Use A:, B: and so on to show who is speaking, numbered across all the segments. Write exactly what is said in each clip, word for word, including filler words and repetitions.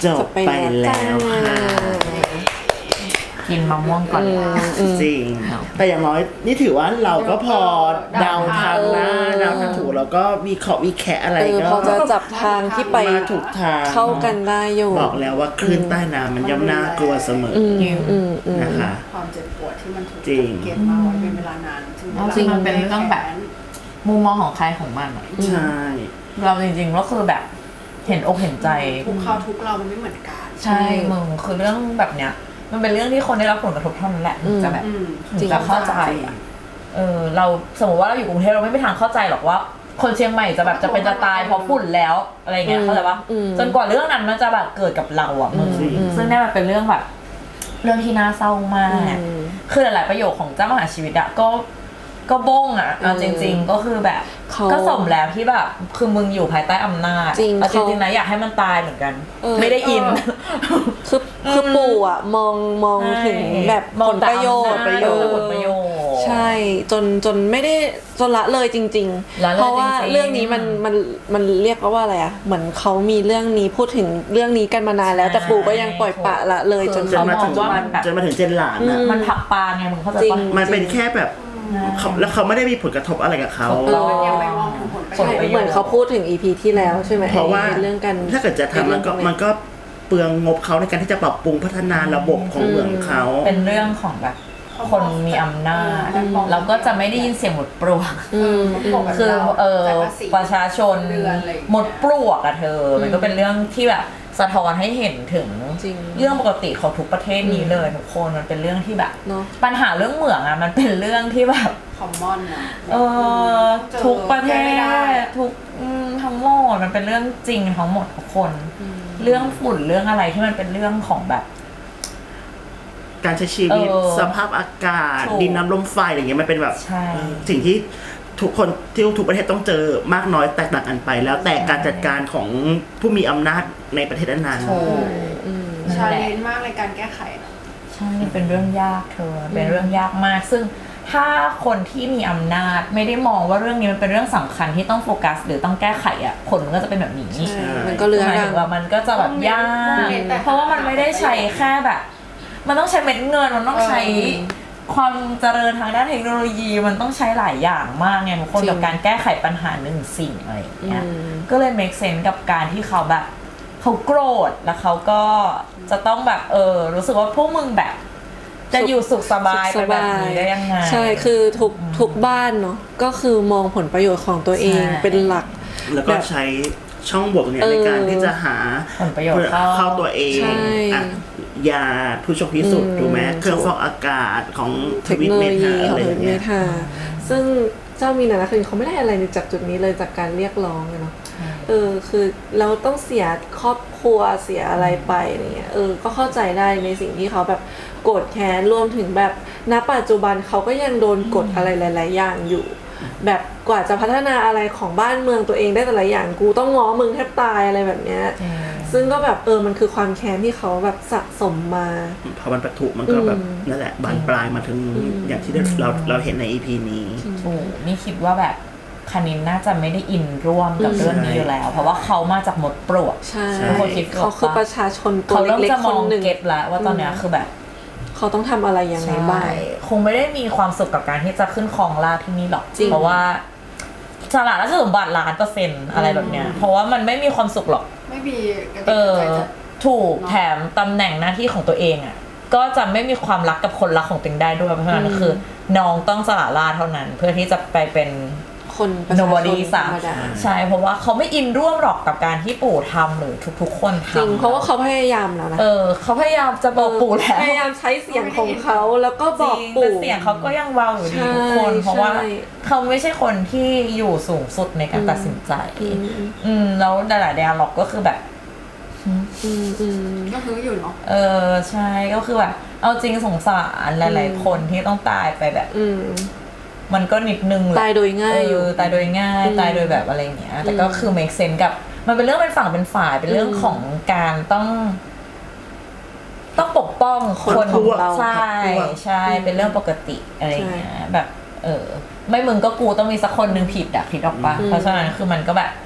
A: จบไปแล้วค่ะ
B: กินมะม่วงก่อน
A: จริงแต่อย่างน้อยนี่ถือว่าเราก็พอเดาทางนะเดาทางถูกแล้วก็มีขอวิแคะอะไรก็
C: พอจะจับทางที่ไป
A: ถูกทาง
C: เข้ากันได้อยู่
A: บอกแล้วว่าคลื่นใต้น้ำมันย่อมน่ากลัวเสมอนะคะ
D: ความเจ็บปวดที่มันถูกเก็บมาไว้เป็นเวลานาน
B: จริงมันเป็นเรื่องแบบมุมมองของใครของมัน
A: ใช่
B: เราจริงๆก็คือแบบเห็นอกเห็นใจ
D: ทุกเขาทุกเรามันไม่เหมือนกัน
B: ใช่มึงคือเรื่องแบบเนี้ยมันเป็นเรื่องที่คนได้รับผลกระทบเท่านั้นแหละจะแบบจะเข้าใจเออเราสมมติว่าเราอยู่กรุงเทพเราไม่มีทางเข้าใจหรอกว่าคนเชียงใหม่จะแบบจะเป็นจะตายเพราะฝุ่นแล้วอะไรเงี้ยเข้าใจปะจนกว่าเรื่องนั้นมันจะแบบเกิดกับเราอ่ะมึงซึ่งนี่มันเป็นเรื่องแบบเรื่องที่น่าเศร้ามากคือหลายๆประโยคของเจ้ามหาชีวิตอะก็ก็บ้งอ่ะเอาจริงๆก็คือแบบก็สมแล้วที่แบบคือมึงอยู่ภายใต้อำนาจเอาจริงๆนะอยากให้มันตายเหมือนกันไม่ได้อิน
C: คือคือปู่อ่ะมองมองถึงแบบผลประโยชน์
B: ประโยชน์ผลประโยชน์
C: ใช่จนจนไม่ได้จนละเลยจริงๆเพราะว่าเรื่องนี้มันมันมันเรียกว่าอะไรอ่ะเหมือนเขามีเรื่องนี้พูดถึงเรื่องนี้กันมานานแล้วแต่ปู่ก็ยังปล่อยปะละเลยจน
A: เขามองว่ามันจนมาถึงเจนหลานอ่ะ
B: มันผักปลาไงมึงเข้าใจปะ
A: มันเป็นแค่แบบแล้วเขาไม่ได้มีผลกระทบอะไรกับเขา
D: ยังไม่มองถึงผลประโยชน์
C: เหมือนเขาพูดถึง อี พี ที่แล้วใช่ไหม
A: เพราะว่า
C: เรื่องกัน
A: ถ้าเกิดจะทำมันก็มันก็เปลืองงบเขาในการที่จะปรับปรุงพัฒนาระบบของเมืองเขา
B: เป็นเรื่องของแบบคนมีอำนาจเราก็จะไม่ได้ยินเสียงหมดปลวกคือเออประชาชนหมดปลวกอะเธอมันก็เป็นเรื่องที่แบบสะท้อนให้เห็นถึงเรื่องปกติของทุกประเทศนี้เลยทุกคนมันเป็นเรื่องที่แบบปัญหาเรื่องเหมืองอะมันเป็นเรื่องที่แบบ
D: คอมมอนนะ
B: เออทุกประเทศทุกทั้งหมดมันเป็นเรื่องจริงทั้งหมดทุกคนเรื่องฝุ่นเรื่องอะไรที่มันเป็นเรื่องของแบบ
A: การใช้ชีวิตสภาพอากาศดินน้ำลมไฟอะไรเงี้ยมันเป็นแบบสิ่งที่ทุกคนที่ทุกประเทศต้องเจอมากน้อยแตกต่างกันไปแล้วแต่การจัดการของผู้มีอำนาจในประเทศนั้น
D: ชาเลนจ์มากในการแก้ไข
B: ใช่เป็นเรื่องยากเธอเป็นเรื่องยากมากซึ่งถ้าคนที่มีอำนาจไม่ได้มองว่าเรื่องนี้มันเป็นเรื่องสำคัญที่ต้องโฟกัสหรือต้องแก้ไขอ่ะผลมันก็จะเป็นแบบนี้
C: มันก็เรื่อง
B: ว่ามันก็จะแบบยากเพราะว่ามันไม่ได้ใช้แค่แบบมันต้องใช้เม็ดเงินมันต้องใช้ความเจริญทางด้านเทคโนโลยีมันต้องใช้หลายอย่างมากไงทุกคนกับการแก้ไขปัญหาหนึ่งสิ่งอะไรอย่างเงี้ยก็เลย make sense กับการที่เขาแบบเขาโกรธแล้วเขาก็จะต้องแบบเออรู้สึกว่าพวกมึงแบบจะอยู่สุขสบายไปแบบนี้ได้ยังไง
C: ใช่คือทุกทุกบ้านเนาะก็คือมองผลประโยชน์ของตัวเองเป็นหลัก
A: แล้วก็ใช้ช่องบวกเนี่ยในการที่จะหา
B: ผลประโยชน์
A: เข้าตัวเองยาผู้ชมพิสูจน์ถูกไหมเครื่องฟอกอากาศของ
C: เทคโนโลยีของทวิตเมทาซึ่งเจ้ามีนานาคือเขาไม่ได้อะไรจากจุดนี้เลยจากการเรียกร้องเนาะเออคือเราต้องเสียครอบครัวเสียอะไรไปอะไรเงี้ยเออก็เข้าใจได้ในสิ่งที่เขาแบบโกรธแค้นรวมถึงแบบณปัจจุบันเขาก็ยังโดนกดอะไรหลายๆอย่างอยู่แบบกว่าจะพัฒนาอะไรของบ้านเมืองตัวเองได้แต่ละอย่างกูต้องง้อมึงแทบตายอะไรแบบเนี้ยซึ่งก็แบบเออมันคือความแค้นที่เขาแบบสะสมมา
A: พอมันปะทุมันก็แบบนั่นแหละบานปลายมาถึงอย่างที่เราเราเห็นใน อี พี นี้
B: โอ้นี่คิดว่าแบบคณินน่าจะไม่ได้อินร่วมกับเรื่องนี้อยู่แล้วเพราะว่าเขามาจากหมดปลวก
C: ใช่เขาคือประชาชนตัวเล็กๆคนหนึ่ง
B: เก็ตแล้วว่าตอนนี้คือแบบ
C: เขาต้องทำอะไรยังไงบ้าง
B: คงไม่ได้มีความสุขกับการที่จะขึ้นครองราชย์ที่นี่หรอกเพราะว่าสละราชสมบัติล้านเปอร์เซ็นต์อะไรแบบเนี้ยเพราะว่ามันไม่มีความสุขหรอก
D: ไม่มี
B: เออถูกแถมตำแหน่งหน้าที่ของตัวเองอ่ะก็จะไม่มีความรักกับคนรักของตัวเองได้ด้วยเพราะฉะนั้นคือน้องต้องสละราชย์เท่านั้นเพื่อที่จะไปเป็น
C: คนประชาชนธรรมดา
B: ใช่เพราะว่าเขาไม่อินร่วมหรอกกับการที่ปู่ทำหรือทุกๆคนทำ
C: จริงเพราะว่าเขาพยายามแล้วนะ
B: เออเขาพยายามจะบอกปู่แล้ว
C: พยายามใช้เสียงของเขาแล้วก็บอกปู่
B: เสียงเขาก็ยังเบาอยู่ดีทุกคนเพราะว่าเขาไม่ใช่คนที่อยู่สูงสุดในการตัดสินใจอืมแล้วดาราเดียล็อกก็คือแบบ
D: ก็คืออยู่เนาะ
B: เออใช่ก็คือแบบเอาจริงสงสารหลายๆคนที่ต้องตายไปแบบมันก็นิดนึง
C: ตายโดยง่ายอยู่
B: ตายโดยง่ายตายโดยแบบอะไรอย่างเงี้ยแต่ก็คือ make sense กับมันเป็นเรื่องเป็นฝั่งเป็นฝ่ายเป็นเรื่องของการต้องต้องปกป้องคนของเราใช่ใช่เป็นเรื่องปกติอะไรอย่างเงี้ยแบบเออไม่มึงก็กูต้องมีสักคนนึงผิดอะผิดออกปะเพราะฉะนั้นคือมันก็แบบพ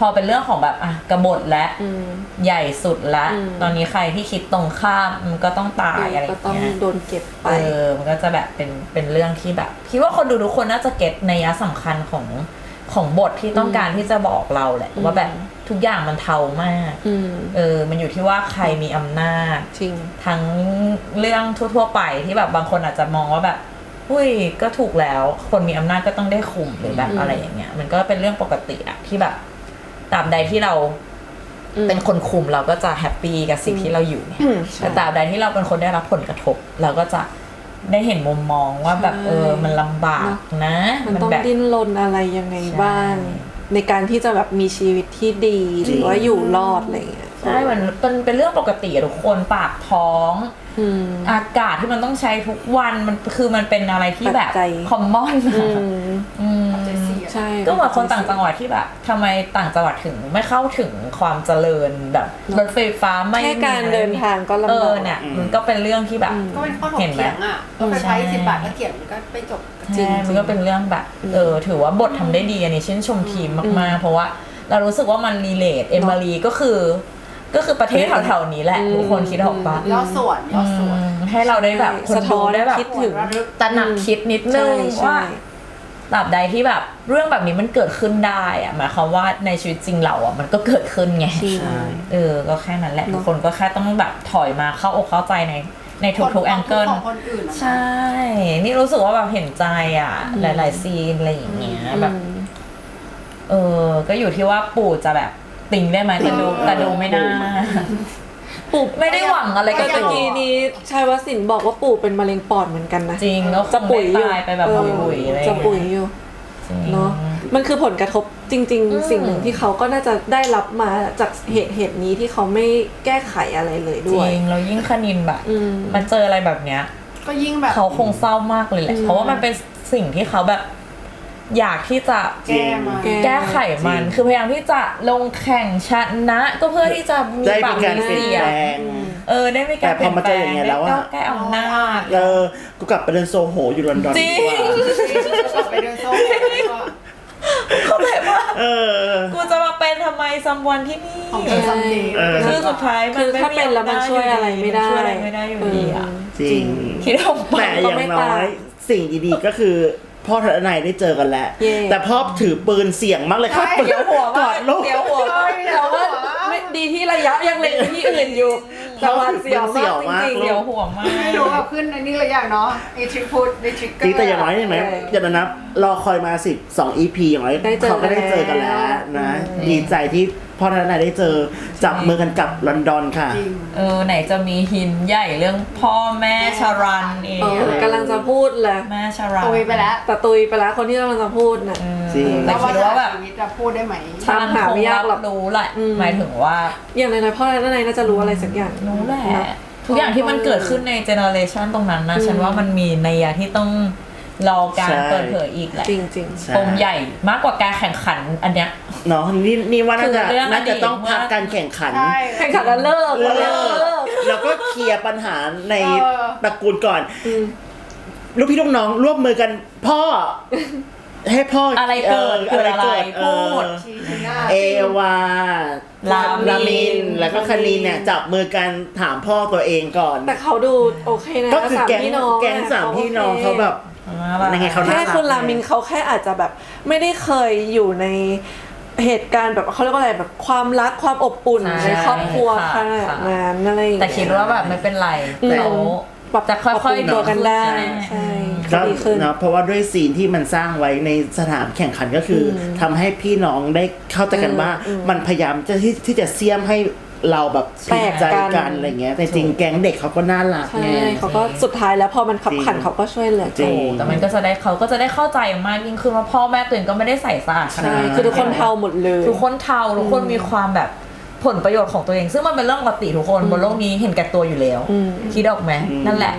B: อเป็นเรื่องของแบบอ่ะกบฏและ
C: อืม
B: ใหญ่สุดและ
C: อืม
B: ตอนนี้ใครที่คิดตรงข้ามมันก็ต้องตายอะไรอ
C: ก็
B: ย่าง
C: ต้อง
B: เงี้ย
C: โดนเก็บไป
B: เออมันก็จะแบบเป็นเป็นเรื่องที่แบบคิดว่าคนดูทุกคนน่าจะเก็ตในยะสำคัญของของบทที่ต้องการที่จะบอกเราแหละ
C: อืม
B: ว่าแบบทุกอย่างมันเทามาก
C: อืม
B: เออมันอยู่ที่ว่าใครมีอำนาจ
C: จริง
B: ทั้งเรื่องทั่วๆไปที่แบบบางคนอาจจะมองว่าแบบอุ้ยก็ถูกแล้วคนมีอำนาจก็ต้องได้คุมหรือแบบ
C: อืม
B: อะไรอย่างเงี้ยมันก็เป็นเรื่องปกติอะที่แบบตราบใดที่เรา
C: อืม
B: เป็นคนคุมเราก็จะแฮปปี้กับสิ่งที่เราอยู่เนี่ย
C: อืมใช่
B: แต่ตราบใดที่เราเป็นคนได้รับผลกระทบ เราก็จะได้เห็นมุมมองว่าแบบ
C: ใช่
B: เออมันลำบากนะ
C: มันต้อง
B: แบบ
C: ดิ้นรนอะไรยังไง
B: ใช่
C: บ้าง ในการที่จะแบบมีชีวิตที่ดีหรือว่าอยู่รอดอะไรอย่างเงี้ย
B: ใช่มันเป็นเป็นเรื่องปกติอะทุกคนปากท้อง
C: อืม
B: อากาศที่มันต้องใช้ทุกวันมันคือมันเป็นอะไรที่แบบ
C: ปัจจัย
B: คอมมอน
C: อืม
B: อืม
C: ใช่
B: ก็เหมือนคนต่างจังหวัดที่แบบทำไมต่างจังหวัดถึงไม่เข้าถึงความเจริญแบบรถไฟฟ้าไม่
C: แค่
B: มี
C: การเดินทางก็ลำบาก
B: เออเนี่ยมันก็เป็นเรื่องที่แบบ
C: อืม
D: ก็เป็นข้อถก
B: เห็นไหม
D: เถียงอ่ะรถไฟฟ้าสิบบาทก็เถียงก็ไปจบ
C: จริง
B: ใช่มันก็เป็นเรื่องแบบ เออ ถือว่าบททำได้ดีอันนี้ชื่นชมทีมมากๆ เพราะว่าเรารู้สึกว่ามันรีเลทเอมิลีก็คือ ก็คือประเทศแถวๆนี้แหละ
C: อืม
B: ทุกคนคิดออกปะ
D: ย่อส่วนย่อส่วน
B: อืมให้เราได้แบบคน
C: สะท้
B: ดู
C: อน
B: ได้แบบ
C: คิดถึง
B: ตระหนักคิดนิดนึง
C: ใช่
B: ว่าตราบใดที่แบบเรื่องแบบนี้มันเกิดขึ้นได้อะหมายความว่าในชีวิตจริงเราอะมันก็เกิดขึ้นไง
C: จริง
A: ใช่
B: เออ ก็แค่นั้นแหละ
C: เนอะ
B: ทุกคนก็แค่ต้องแบบถอยมาเข้าอกเข้าใจในในทุกๆแองเกิล
D: ของคนอื่นอะนะ
B: ใช่ นี่รู้สึกว่าแบบเห็นใจอ่ะ หลายๆซีนอะไรอย่างเงี้ยแบบ
C: อืม
B: เออ ก็อยู่ที่ว่าปู่จะแบบติงได้ไหมแต่ดูแต่ดูไม่น่า
C: ปู่
B: ไม่ได้หวังอะไร
C: ก็
B: กับ
C: ตะ
B: ปู่
C: กี้นี้ชายวศิลป์บอกว่าปู่เป็นมะเร็งปอดเหมือนกันนะ
B: จริงแล้วค
C: จะ
B: ง
C: ปุ๋ยอยู่
B: ได้ตายไปแบบ
C: เออ
B: บุยๆอะไรอ
C: จะ
B: ย่าง
C: ปุ๋ย
B: เงี้ย
C: อยู่
B: จริง
C: เนาะมันคือผลกระทบจริง
B: อืม
C: ๆ สิ่งหนึ่งที่เขาก็น่าจะได้รับมาจากเหตุเหตุนี้ที่เขาไม่แก้ไขอะไรเลย
B: จ
C: ด้วย
B: ริงแล้วยิ่งคณินแบบ
C: อืม
B: มันเจออะไรแบบเนี้ย
D: ก็ยิ่งแบบ
B: เขาคงเศร้ามากเลยแหละ
C: อืม
B: เพราะว่ามันเป็นสิ่งที่เขาแบบ อยากที่จะ
D: แก้มา
C: แก้
B: แก้ไขมัน
A: จริง
B: คือพยายามที่จะลงแข่งชนะ ก็เพื่อที่จะมี
A: ได้
B: ปา
A: มี
B: ก
A: การ
B: มี
A: เปลี่ยน
B: เสีย
A: แป
B: ง
A: ลง
B: เออได้มีการ
A: แต่พอมาเจออย่างเงี้ยแล้วอะ
B: ได้ก้าวแก้อำนาจ
A: เออกูกลับไปเดินโซโหอยู่ลอนดอน
B: จริง
A: ดีกว่า
D: กลับไปเดินโซ่แล้วก็
B: เขาแบบว่า
A: เออ
B: กูจะมาเป็นทำไมซัมวันที่นี่
D: ของเธอซัมเดย์
A: เออ
B: คือสุดท้ายมั
C: คื
B: น
C: อ
B: ไม่
C: ถ้าเป็นแล้วมันช่วยอะไรไม่ได้
B: ช่วยอะไรไม่ได้อยู่ดีอ่ะ
A: จริง
B: คิดออกปะ
A: แต่อย่างน้อยสิ่งดีๆก็คือพ่อทนายได้เจอกันแล้ว
C: เย่
A: แต่พ่อถือปืนเสี่ยงมากเลยครับ
B: เดี๋ยวหัว
A: ก
B: มา
A: อดลูก
B: เดี๋ยวหัว
C: แต่ว่าไม่ดีที่ระยะยังเล็งไปที่อื่นอยู่แต่ว่าเสียว
A: เสี่ยวมาก
C: จริง
B: เดี๋ยวหัวมาก
D: ไม่รู้แบบขึ้นในนี้เลยอย่างเนาะไอทริกพูดในทริกเกอ
A: จริง
D: ร์
A: แต่อย่างน้อยใช่ไหม
C: ใช่
A: อย่านับรอคอยมาสิบสองอีพีอย่างน้อย
C: ได้เจอ
A: เขาก็ได้เจอกันแล้ว
C: แล้ว
A: นะ
B: อืม
A: ดีใจที่พ่อทนายได้เจอจับมือกันกลับลอนดอนค่ะ
D: จริง
B: เออไหนจะมีหินใหญ่เรื่องพ่อแม่ชารันเอ
C: ๆเอง อกำลังจะพูดเลย
B: แม่ชารัน
D: ตุยไปแล้ว
C: แต่ตุยไปแล้วคนที่กำลังจะพูดน่ะ
B: เออ
A: จริง
B: แต่คิดว่าแบบ
D: ชีวิตจะพูดได้ไหม
B: ชารัน
C: หา
B: ค
C: ไม่
B: ง
C: ยากหร
B: รั
C: อก
B: บรู้แหละ
C: อืม
B: หมายถึงว่า
C: อย่างไรๆพ่อและนายน่าจะรู้อะไรสักอย่าง
B: รู้แหละ
C: เนอะ
B: ทุกอย่างที่มันเกิดขึ้นในเจเนอเรชันตรงนั้นนะ
C: อืม
B: ฉันว่ามันมีนัยยะที่ต้องรอการ
A: ใช่
B: เปิดเผยอีกแหละ
C: จริงจริง
A: ใช่
B: ปมใหญ่มากกว่าการแข่งขันอันเนี้ย
A: เนาะนี่นี่ว่าน่าจะ
B: คือเรื่อง
A: น่าจะต้อง
B: อดีต
A: พัก
B: ว่า
A: การแข่งขัน
D: ใช่
C: ๆแข่งขันแล้วเลิก
A: เลิ
C: เลิ
A: ก
C: ก
A: แล้วก็เคลียร์ปัญหาใน
D: เออ
A: ตระกูลก่อน
C: อืม
A: ลูกพี่ลูกน้องร่วมมือกันพ่อ ให้พ่อ
B: อะ
A: อะไร
B: เกิดเกิดอะไรพูด
D: ชีชีหน้า
A: เอวา
B: ลามิน
A: ลามิน แล้วก็คณีนเนี่ยจับมือกันถามพ่อตัวเองก่อน
C: แต่เขาดูโอเคนะ
A: ก็คือ
C: สาม
A: แก๊ง
C: พี่น้อง
A: แก๊งสามพี่น้องเขาแบบยังไงเขาน่า
C: แค่
A: รัก
C: คุณรามินเขาแค่อาจจะแบบไม่ได้เคยอยู่ในเหตุการณ์แบบเขาเรียกว่าอะไรแบบความรักความอบอุ่น
B: ใช่
C: ในครอบครัวข
B: ค่ะ
C: นาด
B: ค่ะ
C: นั้นอะไรอย่าง
B: แต่
C: เงี้ย
B: คิดว่าแบบไม่เป็นไร
C: อืม
B: เขา
C: ปรับ
B: จะค่อยๆ
C: ปรับปรุงตัวกันได้
B: ดีขึ้น
C: ใช่
A: ก็
C: ดีขึ้น
A: เนาะเพราะว่าด้วยซีนที่มันสร้างไว้ในสนามแข่งขันก็คืออทำให้พี่น้องได้เข้าใจกันว่า
C: อืม
A: มันพยายามจะที่ที่จะเสียมให้เราแบบ
C: แตก
A: ใจ
C: กัน
A: กันอะไรเงี้ยแต่จริงแก๊งเด็กเขาก็น่ารัก
C: ใช่
A: ไง
C: เขาก็สุดท้ายแล้วพอมันขับขัน
A: จริง
C: เขาก็ช่วยเหลือ
A: จริ
C: กัน
A: ง
B: แต่มันก็จะได้เขาก็จะได้เข้าใจมากยิ่งขึ้นว่าพ่อแม่ตัวเองก็ไม่ได้ใส่สะอาดขนาด
C: ใช่
B: นั้น
C: คือทุกคนเทาหมดเลย
B: ทุกคนเทาทุกคนมีความแบบผลประโยชน์ของตัวเอง ซึ่งมันเป็นเรื่องปกติทุกคนบนโลกนี้เห็นแก่ตัวอยู่แล้ว
C: อืม
B: คิดออกไหม
A: อืม
B: นั่นแหละ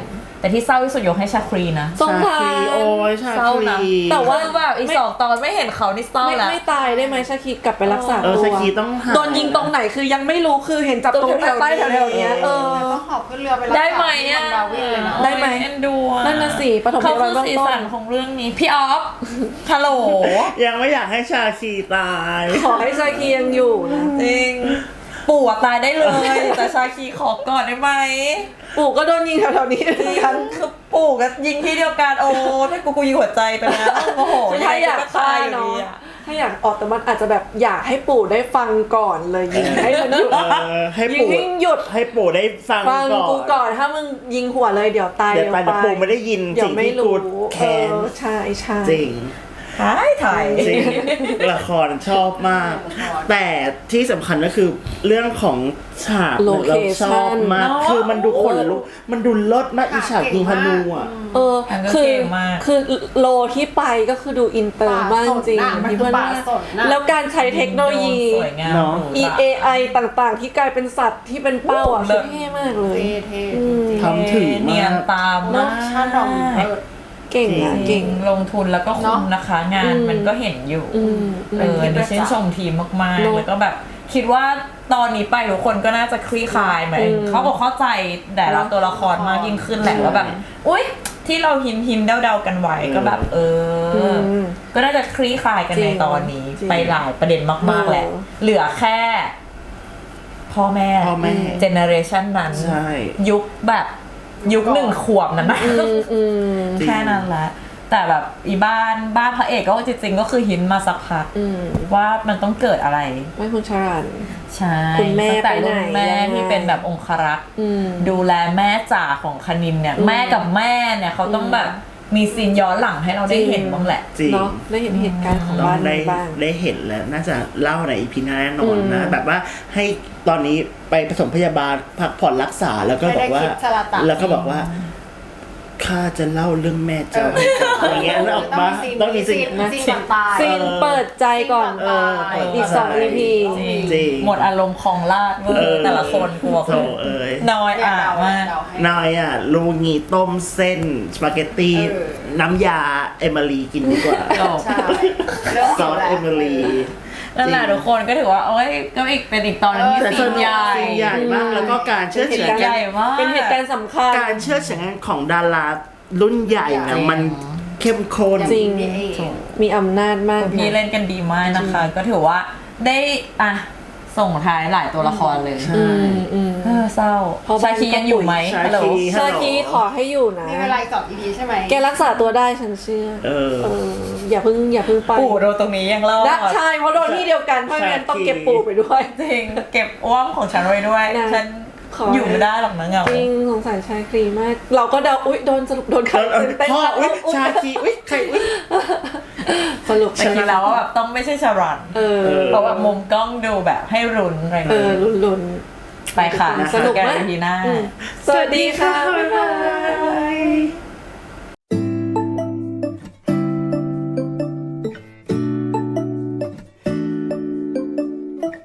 B: แต่ที่เศร้าที่สุดยกให้ชาครีนะ
C: สงสาร
A: ชาครีโอ้ยชา
B: เศร้า
A: ค
B: นะ
A: รี
C: แต่ว่า
B: คือแบบอีกสองตอนไม่เห็นเขานี่เศร้า
C: ไม่
B: แล้ว
C: ไม่ตายได้ไหมชาคีกลับไปรักษา
A: เออ
C: ตัว
A: ชาคีต้องหา
C: โดนยิงตรงไหนคือยังไม่รู้คือเห็นจับตรงใต้ๆแถวๆเนี้ยเออ
D: ต้องหอบขึ้นเรือไปรักษา
B: ได้ไหมอ่ะ
D: ที่ดาวินเลยนะ
C: ได้ไหม
B: เอ็นดูอะ
C: นั่นน่ะสิปฐมพ
B: เขา
C: ยาบา
B: คื
C: ล
B: อ
C: เบื้อง
B: สี
C: ต้
B: สั
C: น
B: นของเรื่องนี้พี่ออฟฮัลโหล
A: ยังไม่อยากให้ชาคีตาย
C: ขอให้ชาคียังอยู่นะ
B: จริงปู่อะตายได้เลย แต่ชาคีขอก่อนได้ไหม
C: ปู่ก็โดนยิงแถวๆนี้เหมือนกัน
B: คือปู่ก็ยิงที่เดียวกันโอ้ถ้ากูกูยิงหัวใจไปแล้วโอ้โห
C: ถ้าอยาก
B: งไง
C: ฆ่า
B: ตายอยู่
C: เนาะ
B: ดีอะ
C: ถ้าอยากออกแต่มันอาจจะแบบอยากให้ปู่ได้ฟังก่อนเลยยิงให้มันหยุด
A: เออให้
C: ยิง
A: ปู่
C: ให้หยุด
A: ให้ปู่ได้ฟัง
C: ฟัง
A: ก่อน
C: กูก่อนถ้ามึงยิงหัวเลยเดี๋ยวตาย
A: เดี๋ยว
C: เร็ว
A: ไป
C: ไป
A: แต่ปู่ไม่ได้ยิน
C: เดี๋ย
A: สิ่
C: ว
A: ง
C: ไม่
A: ที่
C: รู้
A: กู
C: เอ
A: แค้น
C: อใช่ใช่
A: จริง
B: ถ่ายถ่าย
A: จริงละครชอบมาก แต่ที่สำคัญก็คือเรื่องของฉาก
C: โล
A: เรา
C: เค
A: ชอ
C: ชั่
A: บ
C: น
A: มากคือมันดูขนลุกมันดูเลิศมากอีฉากยิงธนูอ่ะ
C: เออ
B: อันก็
C: คือ
B: เก่งมาก
C: คือโลที่ไปก็คือดูอินเตอร์มากจริง
D: ป่าสนน่ะมัน
C: พี่
D: คือ
C: เพื่อน
D: ป่าสนน่ะ
C: แล้วการใช้เทคโนโลยี
B: สวยงาม
A: เนอะ
C: E A I ต่างๆ ที่กลายเป็นสัตว์ที่เป็นเป้าอ่ะ
B: เลิ
C: คือ
B: ศ
C: เท่มากเลย
D: เท่เท่
C: อืม
A: ทำถึงมาก
B: เนียนตาม
D: เนาะ
B: มาก
D: ชาติดองเออ
C: เก่งอ่ะ
B: เก่
C: เก่
B: ง
C: ง
B: ลงทุนแล้วก็คุ้มนะคะ งาน
C: อืม
B: มันก็เห็นอยู่
C: อืม
B: เอออันนี้ชื่นชมทีมมาก
C: เน
B: ๆ
C: อะ
B: แล้วก็แบบคิดว่าตอนนี้ไปทุกคนก็น่าจะคลี่คลายไหม
C: อืม
B: เขาบอกเข้าใจแต่ละ
C: เนอะ
B: ตัวละครมากยิ่งขึ้นแหละ
C: ใช่
B: ว่าแบบ อุ๊ย ที่เราหินหินๆเดาๆกันไว้ก็แบบ เอออ
C: ม
B: ก็น่าจะคลี่คลายกัน
C: จริ
B: ใน
C: ง
B: ตอนนี้
C: จริง
B: ไปหลายประเด็นมากๆแหละ
C: เออ
B: เหลือแค่ พ่อแม่
A: พ่อแม่
B: เจเนอเรชันนั้น
A: ใช่
B: ยุคแบบยุคหนึ่งขวบนั้นนะ
C: อืมอืม
A: จริง
B: แค่นั้นแหละแต่แบบอีบ้านบ้านพระเอกก็จริงๆก็คือหินมาสักพัก
C: อืม
B: ว่ามันต้องเกิดอะไร
C: ไม่คุณชรัน
B: ใช่
C: คุณแม่
B: ตั้งแต่รุ่น
C: ไปไหน
B: แม่
C: ยังไง
B: ที่เป็นแบบองครักษ์
C: อืม
B: ดูแลแม่จ๋าของคณินเนี่ย
C: อืม
B: แม่กับแม่เนี่ยเขาต้องแบบมีซีนย้อนหลังให้เราได้
C: จริง
B: เห็นบ้างแหละ
A: จริง
C: เนาะได้เห็นเหตุการณ์ของ
A: ต้อง
C: บ้าน
A: ได้
C: นี้บ้าง
A: ได้เห็นแล้ว น่าจะเล่าในอีพีหน้าแน่นอนนะ
C: อืม
A: แบบว่าให้ตอนนี้ไปผสมพยาบาลพักผ่อนรักษาแล้วก็บอกว่า
D: ไม่ได้คิดสลัดตัด
A: แล้วก็บอกว่าข้าจะเล่าเรื่องแม่เจ้าให้ฟังอะไรเงี้ยแล้วออกมา
D: ต้
A: ต้
D: อ
A: อง ง
D: มี
A: มี
D: ซี
A: สิ่
D: น
A: ง
D: ซีนก่อนตาย
C: ซีนเปิดใจก่อน
A: เออ
C: อีกสอง อี พี
B: จริง
A: จริง
B: หมดอารมณ์ของลาดเวอ
A: เออ
B: ร์แต่ละคนกลัว
A: โถเอ้ย
B: น้อยอ่ะมาก
A: นายอ่ะลูงีต้มเส้นสปาเกตตี้
D: เออ
A: น้ำยาเอมิลีกินดีกว่า
D: ใช่เรื่อง
A: ซอสเอมิลี
B: นั่นแหละทุกคนก็ถือว่าโอ้ยก็อีกเป็นอีกตอนหนึงที่
A: แต่
B: ซี
A: ส่วน
B: นใหญ่
A: สิ่งใหญ่มากแล้วก็การเชื่อ
C: เป็น
A: เฉื
C: เห
A: อน
C: ตุ
B: ให
C: การ
B: ญ่
C: ณ์
B: มาก
C: เป็นเหตุการณ์สำคัญ
A: การเชื่อเฉือนของดารารุ่นใหญ่นะ
B: จริง
A: มันเข้มข้น
C: จริง
D: นี่เอง
C: มีอำนาจมาก
B: พี่
C: นะ
B: เล่นกันดีมากนะคะ ก็ถือว่าได้อ่ะส่งท้ายหลายตัวละครเลย
A: ใช่
C: อืมอืม
B: เออเศร้า
C: เพราะ
B: ชาคียังอยู่ไหม
A: ชาคี
B: ฮัลโหล
C: ชาคีขอให้อยู่นะ
D: มีเวลาอีกสองอีพีใช่ไหม
C: แกรักษาตัวได้ฉันเชื่อ
A: เออ
C: เออ อย่าเพิ่งอย่าเพิ่งไป
B: ปู่โดนตรงนี้ยังรอด
C: นะใช่เพราะโดนที่เดียวกันเพราะงั้นต้องเก็บปู่ไปด้วย
B: จริงเก็บอ้วมของฉันไว้ด้วย
C: นะ
B: ฉัน
C: ขอ
B: อยู่ไม่ได้หรอกนะเหงา
C: จริงสงสารชายครีมาก เราก็เดาอุ๊ยโดนสรุปโดนใคร
A: แล้ว
C: เต้น
A: พ่อ
C: ๆ
A: อุ้ย
C: อุ๊ย
A: ชาคีอุ้ยใครอุ้ย
C: สรุป
B: แต่คิดแล้วว่าแบบต้องไม่ใช่ชารัน
C: เออ
B: เพราะว่ามุมกล้องดูแบบให้รุนอะไร
C: เอ
B: เงี้
C: อย ลุ้นลุ้น
B: ไปค่ะ
C: สนุก
B: กัน
C: มาก
B: อีพีหน้า
C: อืมสวัสดีค่ะ
A: บ๊ายบาย